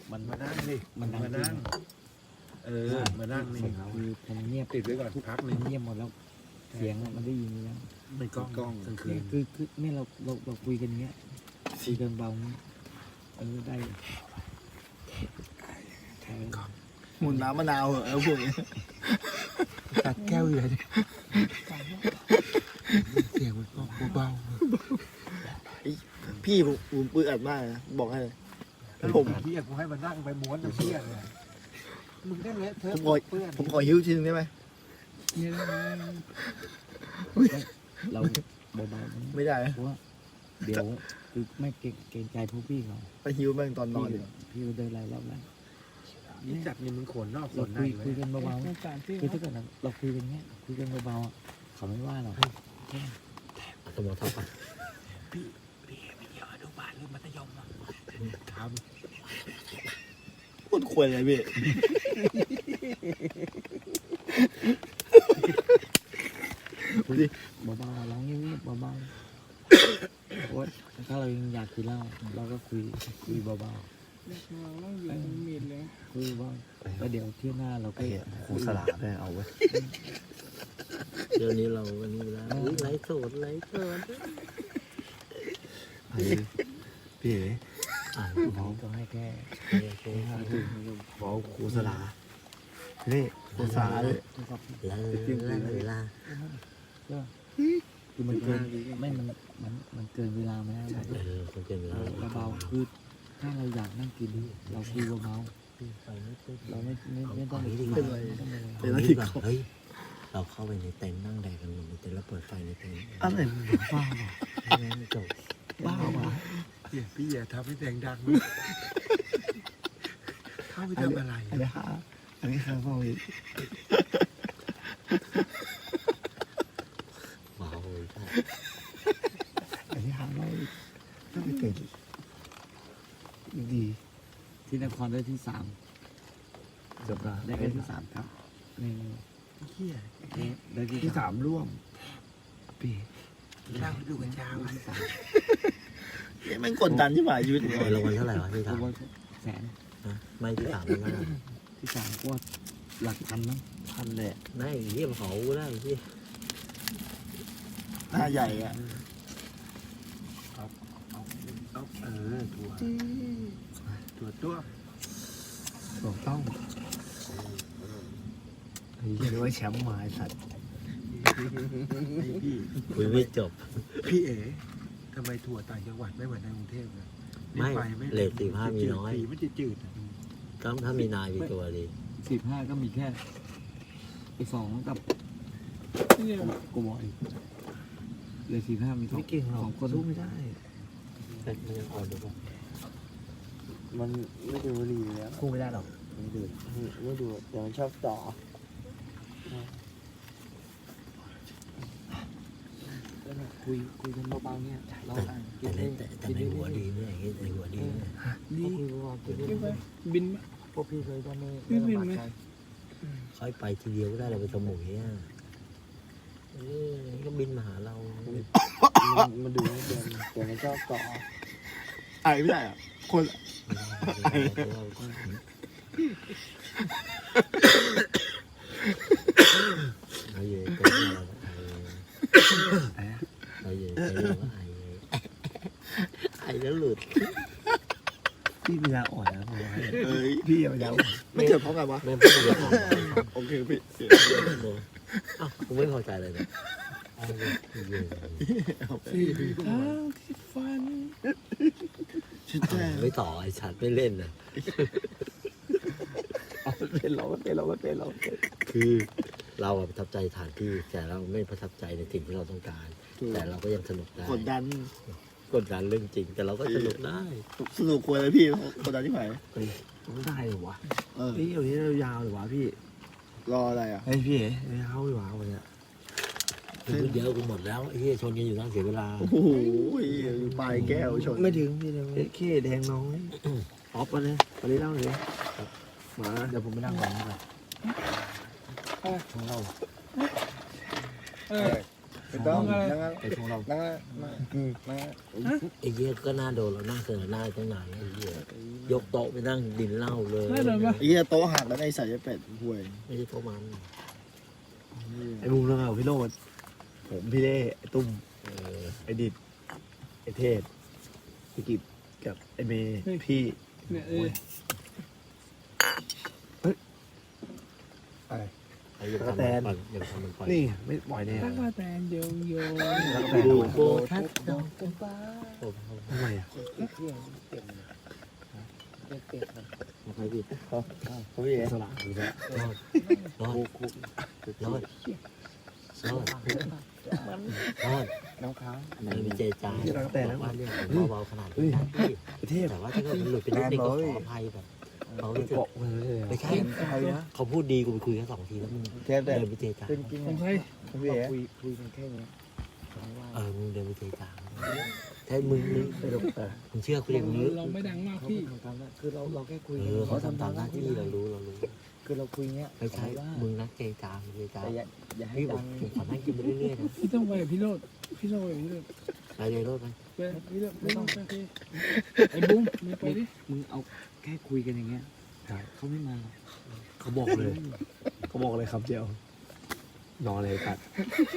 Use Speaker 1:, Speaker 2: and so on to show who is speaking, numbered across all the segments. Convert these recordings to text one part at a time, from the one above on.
Speaker 1: มันมานั่งดิ
Speaker 2: มันดัง
Speaker 1: มานั่งมานั่งนี่
Speaker 2: คือผมเงียบ
Speaker 1: ติดไว้ก่อนพักหนึ่ง
Speaker 2: เงียบหมดแล้วเสียงมันได้ยินแล้ว
Speaker 1: ไม่กล้องกลางคืน
Speaker 2: คือเนี่ยเราคุยกันเงี้ยคุยกันเบาเงี้ยได้ใช่
Speaker 3: หมุนน้ำมะนาวเหรอพวกนี้
Speaker 1: ตัดแก้วอยู่เลยเสียงมันก็เบา
Speaker 3: พี่ผมปื้อัดมากนะบอกให้เลย
Speaker 1: ผมพี่อยากให้มานั่งไปม้วนเชี่ยเลยมึงได้เลยเธอเพื่อน
Speaker 3: ผมขอหิ้วทีนึงได้ไหม
Speaker 2: เราเบาๆ
Speaker 3: ไม่ได้
Speaker 2: เพราะว่าเดี๋ยวคือไม่เกรงใจพวกพี่เขา
Speaker 3: ไปหิ้วแม่งตอนนอนดีกว่า
Speaker 2: พี่เดินไล่รอบแล้ว
Speaker 1: นี่จับนี่มึงขนนอกข
Speaker 2: เรา
Speaker 1: นใน
Speaker 2: คุยกันเบาๆคือถ้าเกิดเราคุยกันเงี้ยคุยกันเบาๆเขาไม่ว่าหรอก
Speaker 4: สมองทับไป
Speaker 1: พี่ไม่เกี่ยวอนุบาลหรือมัธยมอ่ะท
Speaker 3: พูดควยเลยพี่
Speaker 2: เบาๆร้องเงียบๆเบาๆโอ๊ยถ้าเรายังอยากกินเหล้าเราก็คุยเบาๆคุยว่าแล้วเดี๋ยวเที่ยวหน้าเราก็
Speaker 4: ครูสลาได้เอาไว้เดี๋ยวนี้เราวันนี้แล้วไลฟ์สดพี่
Speaker 2: บอกก็ให้แค่
Speaker 4: บอกครูสลานี่ครูสลาเลยเวลา
Speaker 2: คือมันเกินไม่มันเกินเวลาไหม
Speaker 4: คนเกินเวลา
Speaker 2: เบาๆคือถ้าเราอยากนั่งกินเราคุยเบาๆเราไม่ต้องไปคุย
Speaker 3: เป็นอะไรที่เขา
Speaker 4: เฮ้ยเราเข้าไปในเต็นท์นั่งแดกกันในเต็นท์แล้วเปิดไฟในเต็นท์
Speaker 3: อะไร
Speaker 2: บ้า
Speaker 4: ไม่จบ
Speaker 2: บ้าว่ะ
Speaker 1: ำพี่อย่าทำให้เสียงดังเข้าไปทำอะไร
Speaker 3: อันนี้ฮะอันนี้ฮะพ่อพี่
Speaker 4: เมาเลย
Speaker 3: อันนี้ฮะไม่ต้องไปเกิดดี
Speaker 2: ที่นครได้ที่3
Speaker 3: จบละ
Speaker 2: ได้แค่ที่3ครับนี่
Speaker 1: เฮีย
Speaker 2: ได้ที่
Speaker 3: ที่ 3ร่วมพี่
Speaker 1: เล่าดูกันเช้า
Speaker 2: ที่3
Speaker 3: แม่งกดดันที่หมายชีวิตผม
Speaker 4: รางวัลเท่าไหร่วะที่
Speaker 2: ตัว
Speaker 4: ทำ
Speaker 2: แสน
Speaker 4: ไม่ที่สามแล้วนะ
Speaker 2: ที่3ก็หลักพันมั้ง
Speaker 3: พันเลย
Speaker 4: ไม่เยี่ยมเขาได้ที่
Speaker 3: หน้าใหญ่อะ
Speaker 1: ตัว
Speaker 3: ถูกต้องเรียกว่าแชมป์มาสัตว์
Speaker 1: พี่
Speaker 4: คุยไม่จบ
Speaker 1: พี่เอ๋ทำไมถั่วต่างจังหวัดไม่เหมือนในกรุงเทพเลย
Speaker 4: ไม่เลท15มีน้อย
Speaker 1: สีมันจะจืด
Speaker 4: ต้องถ้ามีนายมีตัวดี
Speaker 2: 15ก็มีแค่ไอ้2กับกูบอกอีกเลย15มี2คน
Speaker 3: สู้ไม่ได้
Speaker 4: แต่มันยังอ่อนอยู่ป่ะ
Speaker 3: มันไม่ดูดีแล้ว
Speaker 4: คู่ไม่ได้หรอก
Speaker 3: ไม่ดูเดี๋ยวมันชอบต่อ
Speaker 2: คุยกันเบาๆเนี่ยเรา
Speaker 4: แต่ในหัวดีเนี่ยในหัวดีเนี่ย
Speaker 2: นี่บินพวกพี่เคยก็ไม่ลำบากใจ
Speaker 4: ค่อยไปทีเดียวก็ได้เราไปสมุยอ่ะก็บินมาหาเรา
Speaker 2: มันดูเดินแต่มันชอบต่อ
Speaker 3: ไอ้ไม่ได้อะคน
Speaker 4: ไอ้เย่เป็นอะไรไอ้เย่เป็นอะไรไอ้แล้วหลุด
Speaker 3: พี่ปัญญาอ่อนนะผมว่าพี่ปัญญาอ่อนไม่เกิดเพราะไงวะ
Speaker 4: แม่พูดอย่างนี้
Speaker 3: โอเคพี่
Speaker 4: อ้าวกูไม่พอใจเลยเนี่ย
Speaker 3: ฟันชิดแจ้
Speaker 4: ไม่ต่อไอ้ชัดไม่เล่นนะ
Speaker 3: เป็นเราเป็น
Speaker 4: คือเราประทับใจสถานที่แต่เราไม่ประทับใจในสิ่งที่เราต้องการ แต่เราก็ยังสนุกได้
Speaker 3: กดดัน
Speaker 4: กดดันเรื่องจริง แต่เราก็สนุกได้
Speaker 3: สนุกควรเลยพี่กดดันที่ไหน
Speaker 4: ต้องได้หรอวะ
Speaker 3: พี่อยู่ที่ยาวหรือวะพี่รออะไรอ่ะ
Speaker 4: ไอ้พี่ไม่เอาหรอวะเนี่ยคือเดี๋ยวกูหมดแล้วไอ้ที่ชนกันอยู่ตั้งเสียเวลา
Speaker 3: โอ้โหปลายแก้วชน
Speaker 4: ไม่ถึงพี่เลยแค่แดงน้อยออฟไปเลยไปเล่าเลยมา
Speaker 2: เดี๋ยวผมไปนั่งก่อนนะครับของเรา
Speaker 3: ไม่ต้องนั่ง
Speaker 2: ไปของเรา
Speaker 3: นั่ง
Speaker 4: ไอ้เหี้ยก็น่าโดนเรานั่งเกินหน้าตั้งนานแล้วไอ้เหี้ย
Speaker 3: ไ
Speaker 4: ยกโต๊ะไปนั่งดินเหล้าเลย
Speaker 3: ไอ้เหี้ยโต๊ะหักแล้วไอ้สายเป็ดห่วย
Speaker 4: ไม่ใช่โต๊ะมัน
Speaker 3: ไอ้มุมเรื่องเอาพี่โรดผมพี่เล่ไอ้ตุ้ม
Speaker 4: เออ
Speaker 3: ไอ้ดิดไอ้เทศไอ้กิบกับไอ้เมย์พี่
Speaker 5: เนี่ย
Speaker 3: อะไร
Speaker 4: ไอ้ยังทำมันปั่นยังทำมันปั่น
Speaker 3: นี่ไม่ปล่อยเนี่ย
Speaker 5: ตั้งมาแต่โยงโยง
Speaker 4: ดูโบทัศน์ดอกจำปา
Speaker 3: ทำไมอ่ะ
Speaker 4: ใครพี่
Speaker 3: เขาพี่เอสละ
Speaker 4: รอดรอดรอดรอด
Speaker 1: น้ำค้าง
Speaker 4: ในวิจัยจารว่าเรื่องเบาๆขนาดนี้พี่
Speaker 3: ไอ้เทพ
Speaker 4: แต่ว่าถ้าเกิดมันหลุดไปนิดนึงก็ขออภัยแบบเขารู้สึก
Speaker 3: เกาะเลย
Speaker 4: ไม่ใช่เขาพูดดีกูไปคุยแค่2 ทีแล้วมึง
Speaker 3: เทพแต่
Speaker 4: เดินวิจัยจาร
Speaker 1: เป็นจริง
Speaker 5: ผมใช่
Speaker 3: พี่เอ
Speaker 1: คุยกันแค่นี้
Speaker 4: มึงเดินวิจัยจารถ้ามึงเชื่อกูดิมึง
Speaker 5: เราไม่ดังมากพี่
Speaker 1: คือเราแค่คุย
Speaker 4: เขาทำตามหน้าที่เรารู้
Speaker 1: คือเราคุยเงี้ย
Speaker 4: ไม่ใช่มึงนักเจจามเจจา
Speaker 1: แต่อย่าให้
Speaker 4: พี่บอ
Speaker 1: ดั
Speaker 4: ก
Speaker 1: ง
Speaker 4: ผมขอนั่งกินไปเรื่อยๆนะ
Speaker 5: พี่ต้องไปกับพี่โรดพี่ต้องไปกับพี่โรด
Speaker 4: ไปเลยรถไป
Speaker 5: ไปพี่โรดไม่ต้องไปไอ้บุ้มมึงไปดิ
Speaker 2: มึงเอาแค่คุยกันอย่างเงี้ยเขาไม่มาหรอก
Speaker 3: เขาบอกเลยเขาบอกเลยครับเจียวนอนเลยกัด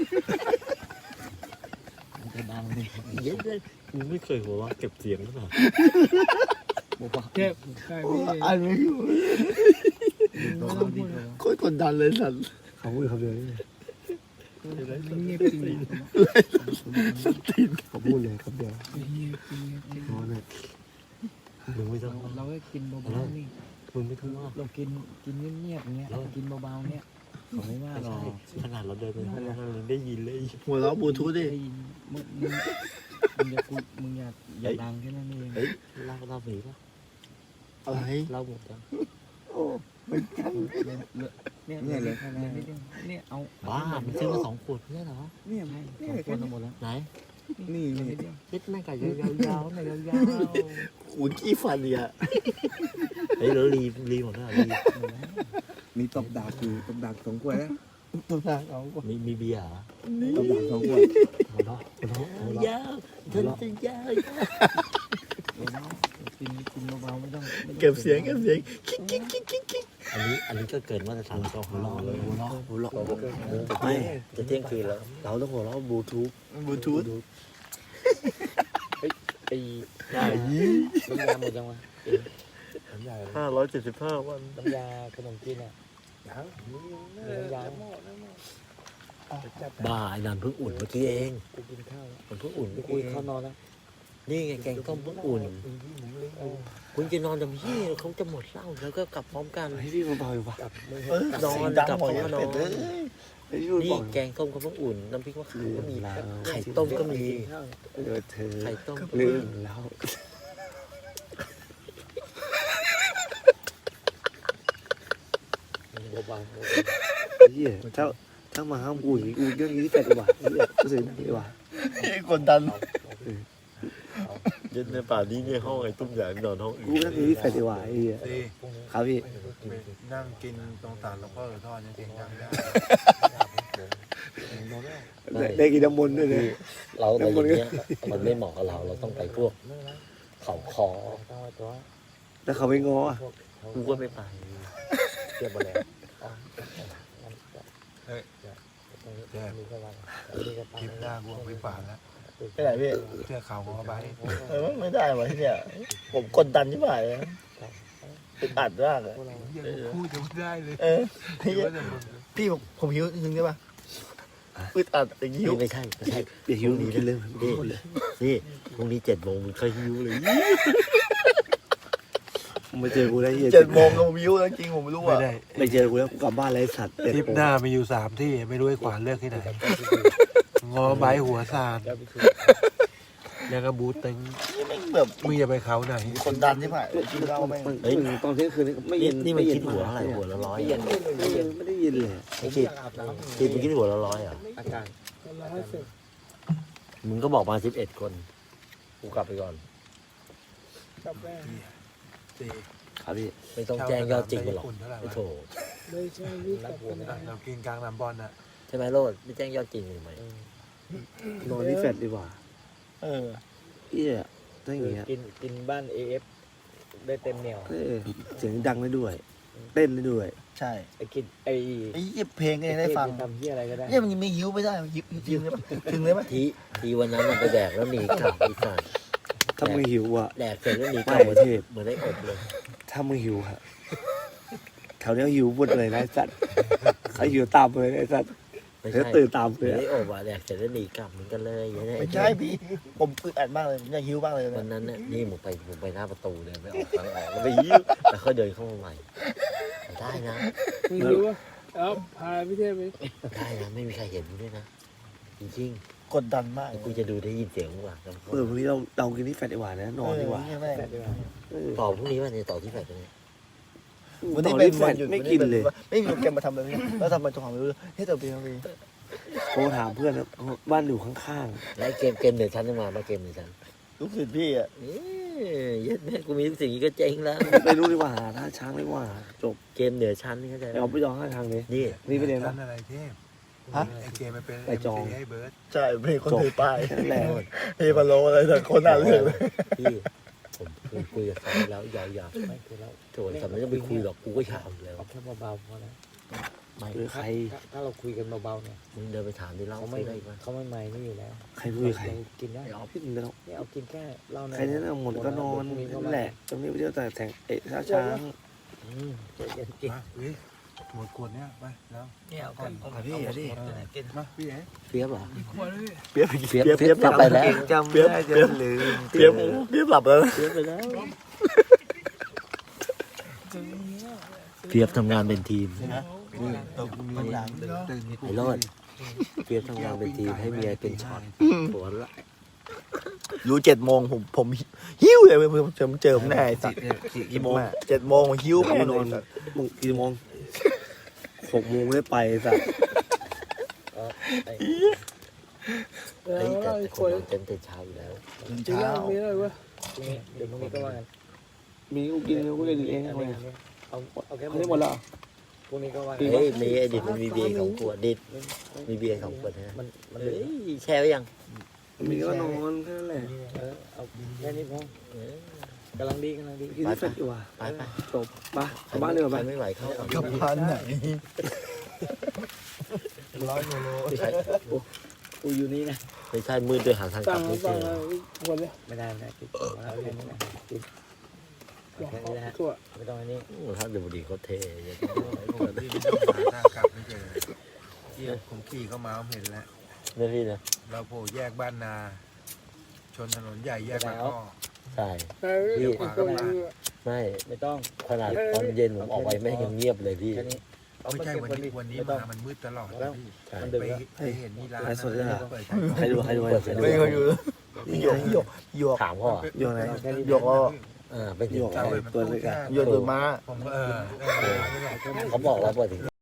Speaker 2: มันจะดังเลย
Speaker 4: เย็นเลยมึงไม่เคยหัวว่าเก็บเสียงหรือเปล่า
Speaker 2: บอกว่า
Speaker 5: เจ็บใช่พี่
Speaker 3: อ่านไม่อยู่
Speaker 5: ไม่ต้องพูด
Speaker 3: โคตรกดดันเลยสัตว์เขาพูดคำเดียวนี่
Speaker 5: เงียบจริง
Speaker 3: เขาพูดเลยคำเดียว
Speaker 5: เงียบจริง
Speaker 3: นอนเลย
Speaker 4: มึงไม่ต้อง
Speaker 2: เราก็กินเบาๆนี่
Speaker 4: มึงไม่ต้องว่า
Speaker 2: เรากินเงียบๆเงี้ยกินเบาๆเนี้ยเขาไม่ว่า
Speaker 4: ไม่
Speaker 2: หรอ
Speaker 4: ใช่ขนาดเราเดินไปห้องเรายังได้ยินเลย
Speaker 3: หัวเราะบลูทูธดิ
Speaker 2: มึงอย่าดังแค่นั้นเอง
Speaker 4: เล่าหนีป่ะ
Speaker 3: อะไร
Speaker 4: เล่าหมดแล้ว
Speaker 3: โอ้ไม่กัน
Speaker 2: เนี่ยเลยแค่นั้นเนี่ยเอา
Speaker 4: บ้ามันซื้อมา2 ขวดไม่ใช่เหรอ
Speaker 2: เนี่ยให้ของคนทั้งหมดแล้ว
Speaker 4: ไหน
Speaker 3: นี่นี่
Speaker 4: เล็ดแม่งไก่ยาวๆแม่ยาว
Speaker 3: ขูดขี้ฟันเนี่ย
Speaker 4: ๆเฮ้ยแล้วรีหมดแล้วรี
Speaker 3: มีตบดาบอยู่ตบดาบ2 ขวดนะตบดาบ2 ขวด
Speaker 4: มีเบียร์เหรอ
Speaker 3: ตบดาบ2 ขวด
Speaker 4: หัวเราะยาวฉันจะยาว
Speaker 2: กินเบาๆไม่ต้อง
Speaker 3: เก็บเสียงคิก
Speaker 4: อันนี้ก็เกินมาตรฐานเราหัวเราะเลย
Speaker 3: หัวเราะ
Speaker 4: ไม่จะเที่ยงคืนแล้ว เราต้องหัวเราะบลูทูธ
Speaker 3: บลูทูธ
Speaker 2: ไอ้
Speaker 3: ได้ยี่
Speaker 2: น้ำยาหมดยังวะ
Speaker 3: 575 วัน
Speaker 2: น้ำยาขนมจีนอ่ะน้ำยา
Speaker 4: บ้าไอ้นันเพิ่งอุ่นเมื่อกี้เอง
Speaker 2: กูกินข้าว
Speaker 4: มันเพิ่งอุ่น
Speaker 2: กูกินข้าวนอนแล้ว
Speaker 4: นี่ไงแกงต้มเพิ่งอุ่น คุณจะนอนกับพี่เขาจะหมดเหล้าแล้วก็กลับพร้อมกัน
Speaker 3: ให้พี่เบาๆอยู่ปะ
Speaker 4: นอนกลับพร้อมกันนอน
Speaker 3: ให้พี่พูด
Speaker 4: นี่
Speaker 3: บอก
Speaker 4: แกงต้มก็เพิ่งอุ่นน้ำพริกมะขามก็มีไข่ต้มก็มี
Speaker 3: เดี๋ยวเธอ
Speaker 4: ไข่ต้ม
Speaker 3: ลืมแล้ว
Speaker 4: เบา
Speaker 3: เฮียถ้ามาห้ามกูอย่างนี้กูเรื่องนี้ที่แฟดดีกว่าเฮียกูเสียดีกว่ากดดัน
Speaker 4: เย็นในป่านี้ในห้องไอ้ตุ้มใหญ่นอนห้องอื่
Speaker 3: กูเรื่องนี้ที่แฟดดีกว่าไอ้เฮียครับพี่
Speaker 1: นั่งกินตรงศาลหลวงพ่อหรือทอดยังกินยังได้
Speaker 3: ได้กินน้ำมนต์ด้วยเลย
Speaker 4: เราอะไรอย่างเงี้ยมันไม่เหมาะกับเราเราต้องไปพวกเขาคอ
Speaker 3: แล้วเขาไม่ง้อ
Speaker 4: กูก็ไม่ไปเทียบมาแล้ว
Speaker 1: แย่คลิปหน้ากูไปป่าแล้ว
Speaker 3: ไม่ได้พี่
Speaker 1: เสื้อขาวของเขาไป
Speaker 3: ไม่ได้วะที่เนี่ยผมกดดันที่บ่ายเลยติดอัดมากเลย
Speaker 1: ยังพูดยังไม่ได้เลย
Speaker 3: พี่พี่ผมหิวนึงได้ปะอึดอัดอย่างหิว
Speaker 4: ไม่ใช่ไม่ใช่
Speaker 3: อย่าหิวหนีกันเลย
Speaker 4: นี่พรุ่งนี้7 โมงมึงเคยหิวเลย
Speaker 3: มาเจอกูได้เฮีย
Speaker 6: 7 โมงก็วิวแล้วจริงผมไม่รู้
Speaker 1: ไม่
Speaker 6: อ่ะ
Speaker 1: ได้
Speaker 3: ไม่เจอกูแล้วกูกลับบ้านเลยสัตว์
Speaker 1: ทริปหน้ามีอยู่3 ที่ไม่รู้ไอ้ขวานเลือกที่ไหนงอใบหัวซานแล้วก็บูตึง
Speaker 6: นี่แม่งแบบ
Speaker 1: มึงอย่าไปเขาไหน
Speaker 6: คนดันใช่ไหมกินเหล้าแม่ง
Speaker 3: เฮ้ยตอนเที่ยงคืนไม่เย็น
Speaker 4: นี่มันคิดหัวเท่าไหร่หัวละ100
Speaker 3: ไม่เย็นไม่ได้ยินเลย
Speaker 4: ไม่คิดมันคิดหัวละ100อ่ะ
Speaker 2: อากาศ
Speaker 4: มึงก็บอกมา11 คนกูกลับไปก่อน
Speaker 5: กับแม่
Speaker 3: ครับพี่
Speaker 4: ไม่ต้องแจ้งยอดจริงไปหรอก
Speaker 1: เท่าไหร่
Speaker 4: ไอ้
Speaker 1: วะ
Speaker 4: โถ
Speaker 5: เลยใช่พี่กับแม่
Speaker 1: เรากินกลางน้ำบอลน่ะ
Speaker 4: ใช่ไหมโรดไม่แจ้งยอดจริงเลยไหม
Speaker 3: นอนที่แฟดดีกว่า
Speaker 6: เออ
Speaker 3: เอี้ยถ้าอย่างเงี้ย
Speaker 2: กินบ้าน AF ได้เต็มเหนียว
Speaker 3: เสียงดังได้ด้วย เต้นได้ด้วย
Speaker 6: ใช่
Speaker 2: ไอ้กินไอ้
Speaker 6: ไอ้เพลงก็ยังได้ฟัง
Speaker 2: ทำเหี้ยอะไรก็ได้
Speaker 6: เนี่ยมันยังไม่หิวไม่ได้มันหิวถึงเลยถึงเลยไหม
Speaker 4: ทีวันนั้นมันไปแดกแล้วหนีกลับอีสาน
Speaker 3: ถ้ามึงหิวอ่ะ
Speaker 4: แดกเสร็จแล้วหนีกลับ
Speaker 3: ไม่
Speaker 4: เหมือน
Speaker 3: เทพ
Speaker 4: เหมือนได้อบเลย
Speaker 3: ถ้ามึงหิวฮะแถวเนี้ยหิวหมดเลยนะไอ้สัตว์ใครหิวตามเลยไอ้สัตว์
Speaker 4: ไม่
Speaker 3: เดี๋ยว
Speaker 4: ใช่
Speaker 3: ตื่นตาม
Speaker 4: เห
Speaker 3: เล
Speaker 4: มือน
Speaker 3: ย
Speaker 4: ได้อบอ่ะแดกเสร็จแล้วหนีกลับเหมือนกันเลยอย่างนี้
Speaker 6: ไม่ใช่พี่ผมอึดอัดมากเลยผมอยากหิวบ้างเลย
Speaker 4: วัน
Speaker 6: นะ
Speaker 4: นั้นน่ะนี่ผมไปหน้าประตูเลยไปออกทางออกแล้วไปยิ้วแล้วเขาเดินเข้ามาใหม่ได้นะ
Speaker 5: มึงรู้ว่าเอาพาพี่เทพไป
Speaker 4: ได้นะไม่มีใครเห็นด้วยนะจริง
Speaker 6: กดดันมาก
Speaker 4: ๆกูจะดูได้ยินเสียงมึงว่ะ
Speaker 3: เออพรุ่งนี้เรากินที่แฟดดีกว่านะนอนดีกว่า
Speaker 6: แม่
Speaker 4: ต่อพรุ่งนี้วันนี้ต่อที่แฟลตกันเนี่ย
Speaker 6: วันนี้
Speaker 3: ตอ
Speaker 6: เป็น
Speaker 3: ที่แฟ
Speaker 6: วัน
Speaker 3: ด
Speaker 6: หยุด
Speaker 3: ไม่กินเลย
Speaker 6: ไม่มีโปรแกรมมาทำเลยเนี่ยแล้วทำไมตัวของไม่รู้เฮ้ยแต่เป็นอะไร
Speaker 3: โทรถามเพื่อนนะบ้านอยู่ข้าง
Speaker 4: และเกมเหนือชั้นจะมาเกมเหนือชั้น
Speaker 6: ลูกศิษย์พี่อ่ะ
Speaker 4: เย็ดแม่กูมีทุกสิ่งก็เจ๊งแล้ว
Speaker 3: ๆไปรู้ดีกว่าหาท่าช้างดีกว่าจบ
Speaker 4: เกมเหนือชั้นนี่เข้าใจไหม
Speaker 3: เอาไปยองข้างทางเลย
Speaker 4: นี่
Speaker 3: นี่ไปเรียน
Speaker 1: ชั้
Speaker 3: ปะ
Speaker 1: นอะไรเทพไอเจมันเป็น
Speaker 3: ไปจอง
Speaker 1: ให้เบิร์ด
Speaker 6: ใช่เพลงคนถือป้าย
Speaker 3: แค่นั้นแหละ
Speaker 6: เพลงพะโล้อะไรแต่คนน่าเลือกเลย
Speaker 4: พี่ผมคุยกับเขาแล้วยาวๆ
Speaker 2: ไม่คือเรา
Speaker 4: โถแต่ไม่ต้องไปคุยหรอกกูก็ยาวอยู่แล้ว
Speaker 2: เอาแค่เบาๆพอแล้ว
Speaker 4: ไม่
Speaker 3: คือใคร
Speaker 2: ถ้าเราคุยกันเบาๆเนี่ย
Speaker 4: มึงเดินไปถามดิเล่า
Speaker 2: เขา
Speaker 4: ไม่
Speaker 2: ไม่
Speaker 4: ได้ปะ
Speaker 2: เขาไม่ไม่นี่อยู่แล้ว
Speaker 3: ใครพูดกับใคร
Speaker 2: เรากินได้
Speaker 3: เอาพี่มึงแล้ว
Speaker 2: เนี่ยเอากินแค่เหล้า
Speaker 3: ใครเนี่ยหมดก็นอน
Speaker 2: พรุ่ง
Speaker 3: นั่นแหละตรงนี้ไปเที่ยวแต่แสงท่าช้าง
Speaker 2: ใจเย็นกิน
Speaker 1: มาเฮ้ยหมดขวดเนี้ยไปแล้ว
Speaker 6: เนี่ยเอาก่อนเอาพี่เอาดิ
Speaker 1: มาพี่เอ๋
Speaker 4: เปียบเหรอ
Speaker 6: เปียบ
Speaker 4: เปียบกลับไปแล้ว
Speaker 3: จำไม่ได้จะลืม
Speaker 6: เปียบหลับแล้ว
Speaker 4: เปียบไปแล้วเปียบทำงานเป็นทีม
Speaker 1: มันหลังตื่น
Speaker 4: ไอ้รอดเปียบทำงานเป็นทีมให้เมียเป็นช็อตปวดละ
Speaker 6: รู้7 โมงผมหิ้วเลยผมเจอผมแน่สิ
Speaker 3: กี่โมง
Speaker 6: 7 โมงผมหิ้ว
Speaker 3: กู
Speaker 6: แม่
Speaker 3: นอน
Speaker 6: เลย
Speaker 3: มึงกี่โมง6 โมงไม่ได้ไปสัตว์
Speaker 4: เฮ้ยแต่คนนอนเต็มแต่เช้าอยู่แล้ว
Speaker 5: จีน่ามีอะไรวะ
Speaker 2: พรุ่งนี้เดี๋ยวพรุ่งนี้ก็ว่ากัน
Speaker 3: มีกูกินกูเล่นเอง
Speaker 2: อัน
Speaker 3: ทำไม
Speaker 2: นี้เอาแค่
Speaker 3: เขาได้หมดแล้ว
Speaker 2: พรุ่งนี้ก็ว่า
Speaker 4: เฮ้ยมีไอ้ดิดมันมีเบียร์2 ขวดดิดมีเบียร์2 ขวดนะ
Speaker 2: มัน
Speaker 4: เฮ้ยแช่ไว้ยัง
Speaker 3: มีก็นอนแค่นั้นแหละ
Speaker 2: เอาแค่นี้พอ กำลังดีกำลังดี
Speaker 3: กินที่แฟดดีกว่า
Speaker 4: ไปไป
Speaker 3: จบปะกลับบ้านเลยเหรอ
Speaker 4: ใค
Speaker 3: ไป
Speaker 4: รไม่ไหวเข้าก่อน
Speaker 6: กับพันไหน
Speaker 2: กูอยู่นี่นะ
Speaker 4: ไม่ใช่มืดด้วยหาทางก
Speaker 5: สั่
Speaker 4: ลั
Speaker 5: ง
Speaker 4: บไม่เจ
Speaker 5: สั่ง
Speaker 4: อ
Speaker 5: วันเลย
Speaker 2: ไม่ได้นะกินเอาแค่นี้นะกินแค่นี้นะฮะ
Speaker 5: ตัว
Speaker 2: ไม่ต้องอันนี้
Speaker 4: โอ้ถ้าดูบุหรี่เขาเท่ยัง
Speaker 1: พี่ไม่ต้องหาทางกลับไม่เจอที่ผมขี่เข้ามาผมเห็นแล้ว
Speaker 4: นี่พี่นะ
Speaker 1: เราโผล่แยกบ้านนา ชนถนนใหญ่แยกบางอ้อ
Speaker 4: ใช่
Speaker 5: พี่
Speaker 4: ไม่
Speaker 2: ไม่ต้อง
Speaker 4: ขนาดตอนเย็นผมออกไปแม่งยังเงียบเลยพี่
Speaker 2: แค่นี้
Speaker 1: ไม่ใช่วันนี้มามันมืดตลอดนะพี่
Speaker 4: ใช่
Speaker 2: มันดึก
Speaker 1: ไป
Speaker 2: แล้ว
Speaker 1: ไปเห็นนี่ร้าน
Speaker 3: ไลฟ์สดด้วยเหรอ
Speaker 1: เปิด
Speaker 3: ใครดูใครดู
Speaker 6: ไม่เขาอยู่หยก
Speaker 4: ถามเขาอ่ะ
Speaker 3: อยู่ไหน
Speaker 6: หยกก็
Speaker 4: เป็นถึง
Speaker 3: ตัวเล็กอะ
Speaker 6: หยกตัวม้า
Speaker 1: ผมก็
Speaker 4: เขาบอกแล้วว่าถึง